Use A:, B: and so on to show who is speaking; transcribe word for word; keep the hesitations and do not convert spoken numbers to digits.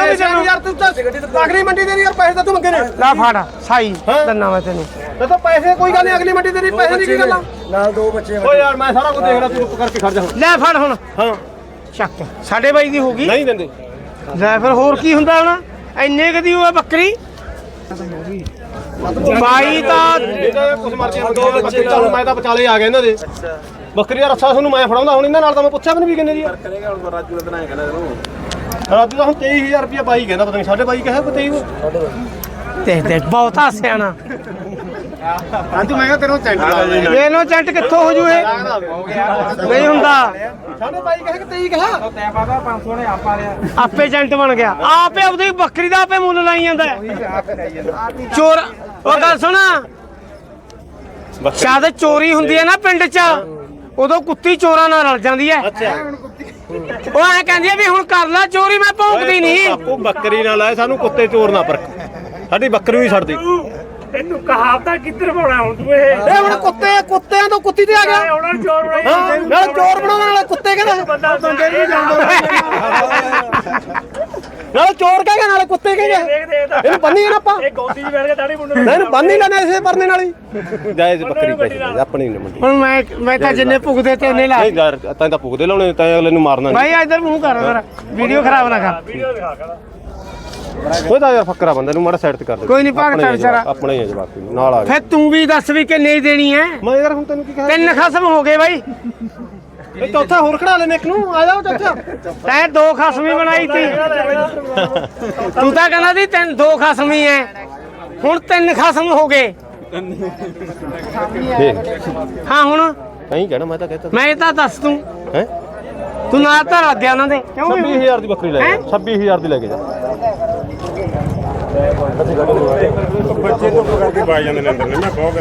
A: ਨਹੀਂ ਦੇਣਾ ਯਾਰ ਤੂੰ ਤਾਂ ਅਗਲੀ ਮੰਡੀ ਦੇ ਯਾਰ ਪੈਸੇ ਤਾਂ ਤੂੰ ਮੰਗੇ ਨੇ ਲੈ ਫੜ ਸਾਈ ਦੰਨਾ ਮੈਂ ਤੈਨੂੰ ਤੇ ਤਾਂ ਪੈਸੇ ਕੋਈ ਗੱਲ ਨਹੀਂ ਅਗਲੀ ਮੰਡੀ ਦੇ ਪੈਸੇ ਨਹੀਂ ਕੀ ਗੱਲਾਂ
B: ਨਾਲ ਦੋ ਬੱਚੇ
A: ਓ ਯਾਰ ਮੈਂ ਸਾਰਾ ਕੁਝ ਦੇਖਦਾ ਤੂੰ ਚੁੱਪ ਕਰਕੇ ਖੜ ਜਾ ਲੈ ਫੜ ਹੁਣ ਹਾਂ ਚੱਕ ਸਾਡੇ ਬਾਈ ਦੀ ਹੋ ਗਈ ਨਹੀਂ ਦਿੰਦੇ ਲੈ ਫਿਰ ਹੋਰ ਕੀ ਹੁੰਦਾ ਹੁਣ ਇੰਨੇ ਕਦੀ ਹੋਇਆ ਬੱਕਰੀ ਬਾਈ ਤਾਂ ਕੁਝ ਮਰਜ਼ੀ ਦੋ ਬੱਚੇ ਮੈਂ ਤਾਂ ਵਿਚਾਲੇ ਆ ਗਿਆ ਇਹਨਾਂ ਦੇ ਬੱਕਰੀ ਦਾ ਰੱਸਾ ਤੁਹਾਨੂੰ ਮੈਂ ਫੜਾਉਂਦਾ ਹੁਣ ਇਹਨਾਂ ਨਾਲ ਤਾਂ ਮੈਂ ਪੁੱਛਿਆ ਵੀ ਨਹੀਂ ਵੀ ਕਿੰਨੇ ਦੀ ਕਰੇਗਾ ਹੁਣ ਰਾਜੂ ਦਾ ਬਣਾਇਆ ਕਹਿੰਦਾ ਇਹਨੂੰ ਰਾਜੂ ਦਾ ਹੁਣ ਤੇਈ ਹਜ਼ਾਰ ਰੁਪਏ ਬਾਈ ਕਹਿੰਦਾ ਪਤਾ ਨਹੀਂ ਸਾਡੇ ਬਾਈ ਕਹੇ ਕੋਈ ਤੇਈ ਦੇਖ ਦੇਖ ਬਹੁਤਾ ਸਿਆਣਾ ਰਾਜੂ ਮੈਂ ਕਿਹਾ ਤੈਨੂੰ ਚੈਂਟ ਲਾ ਦੇ ਇਹਨੂੰ ਚੈਂਟ ਕਿੱਥੋਂ ਹੋ ਜੂ ਇਹ ਨਹੀਂ ਹੁੰਦਾ ਸਾਡੇ ਬਾਈ ਕਹੇ ਕਿ ਤੇਈ ਕਹਾ ਤੈਂ ਪਤਾ ਪੰਜ ਸੌ ਨੇ ਆਪਾ ਰਿਆ ਆਪੇ ਚੈਂਟ ਬਣ ਗਿਆ ਆਪੇ ਆਪਦੀ ਬੱਕਰੀ ਦਾ ਆਪੇ ਮੁੱਲ ਲਾਈ ਜਾਂਦਾ ਚੋਰ ਉਹ ਗੱਲ ਸੁਣਾ ਸ਼ਾਇਦ ਚੋਰੀ ਹੁੰਦੀ ਹੈ ਨਾ ਪਿੰਡ 'ਚ ਉਦੋਂ ਕੁੱਤੀ ਚੋਰਾਂ ਨਾਲ ਰਲ ਜਾਂਦੀ ਹੈ ਉਹ ਐ ਕਹਿੰਦੀ ਹੈ ਵੀ ਹੁਣ ਕਰ ਲੈ ਚੋਰੀ ਮੈਂ ਭੌਂਕਦੀ ਨਹੀਂ ਆਪੋ ਬੱਕਰੀ ਨਾਲ ਆਏ ਸਾਨੂੰ ਕੁੱਤੇ ਚੋਰ ਨਾ ਪਰਖ ਸਾਡੀ ਬੱਕਰੀ ਵੀ ਛੱਡਦੀ
C: ਤੈਨੂੰ ਕਹਾਵਤਾਂ ਕਿੱਧਰ ਪਾਉਣਾ ਹੁਣ ਤੂੰ ਇਹ
A: ਇਹ ਹੁਣ ਕੁੱਤੇ ਕੁੱਤਿਆਂ ਤੋਂ ਕੁੱਤੀ ਤੇ ਆ ਗਿਆ
C: ਉਹਨਾਂ ਨੂੰ ਚੋਰ ਬਣਾਈ
A: ਹਾਂ ਨਾਲ ਚੋਰ ਬਣਾਉਣ ਵਾਲਾ ਕੁੱਤੇ ਕਹਿੰਦਾ
C: ਬੰਦਾ ਬੰਦੇ ਨਹੀਂ ਜਾਂਦਾ
A: ਨਾਲ ਚੋਰ ਕਹਿੰਦਾ ਨਾਲ ਕੁੱਤੇ ਕਹਿੰਦਾ ਇਹਨੂੰ ਬੰਨੀ ਨਾ ਆਪਾਂ
C: ਇਹ ਗੋਦੀ 'ਚ ਬੈਠ ਕੇ ਦਾੜੀ ਮੁੰਡੇ
A: ਨਹੀਂ ਇਹਨੂੰ ਬੰਨੀ ਲੈਣਾ ਇਸੇ ਪਰਨੇ ਨਾਲ ਹੀ ਜਾਇਜ਼ ਬੱਕਰੀ ਪੈਸੇ ਆਪਣੀ ਨਹੀਂ ਮੰਡੀ ਹੁਣ ਮੈਂ ਮੈਂ ਤਾਂ ਜਿੰਨੇ ਭੁਗਦੇ ਤੇ ਉਹਨੇ ਲਾ ਨਹੀਂ ਯਾਰ ਤਾਂ ਤਾਂ ਭੁਗਦੇ ਲਾਉਣੇ ਤਾਂ ਅਗਲੇ ਨੂੰ ਮਾਰਨਾ ਨਹੀਂ ਭਾਈ ਇੱਧਰ ਮੂੰਹ ਕਰ ਮੇਰਾ ਵੀਡੀਓ ਖਰਾਬ ਨਾ ਕਰ
C: ਵੀਡੀਓ ਦਿਖਾ ਕਰ
A: ਕੋਈ ਤਾਂ ਯਾਰ ਫੱਕਰਾ ਬੰਦੇ ਨੂੰ ਮਾੜਾ ਸਾਈਡ ਤੇ ਕਰ ਦੇ ਕੋਈ ਨਹੀਂ ਭਾਗਤਾ ਵਿਚਾਰਾ ਆਪਣੇ ਹੀ ਹੈ ਜਵਾਕ ਨਾਲ ਆ ਗਿਆ ਫਿਰ ਤੂੰ ਵੀ ਦੱਸ ਵੀ ਕਿ ਨਹੀਂ ਦੇਣੀ ਹੈ ਮੈਂ ਯਾਰ ਹੁਣ ਤੈਨੂੰ ਕੀ ਕਹਾਂ ਤਿੰਨ ਖਸਮ ਹੋ ਗਏ ਬਾਈ ਇਹ ਚੌਥਾ ਹੋਰ ਖੜਾ ਲੈਨੇ ਇੱਕ ਨੂੰ ਆ ਜਾਓ ਚਾਚਾ ਤੈਂ ਦੋ ਖਸਮੀ ਬਣਾਈ ਤੀ ਤੂੰ ਤਾਂ ਕਹਿੰਦਾ ਸੀ ਤਿੰਨ ਦੋ ਖਸਮੀ ਐ ਹੁਣ ਤਿੰਨ ਖਸਮ ਹੋ ਗਏ ਹਾਂ ਹੁਣ ਨਹੀਂ ਕਹਿਣਾ ਮੈਂ ਤਾਂ ਕਹਤਾ ਮੈਂ ਤਾਂ ਦੱਸ ਤੂੰ ਹੈ ਤੂੰ ਨਾ ਤਾਂ ਰੱਦਿਆ ਉਹਨਾਂ ਦੇ ਕਿਉਂ ਛੱਬੀ ਹਜ਼ਾਰ ਦੀ ਬੱਕਰੀ ਲੈ ਜਾ ਛੱਬੀ ਹਜ਼ਾਰ ਦੀ ਲੈ ਕੇ ਜਾ
D: ਬੱਚੇ ਤੋਂ ਕਰਕੇ ਬਾਈ ਜਾਂਦੇ ਨੇ ਅੰਦਰ ਨੇ ਮੈਂ ਬਹੁਤ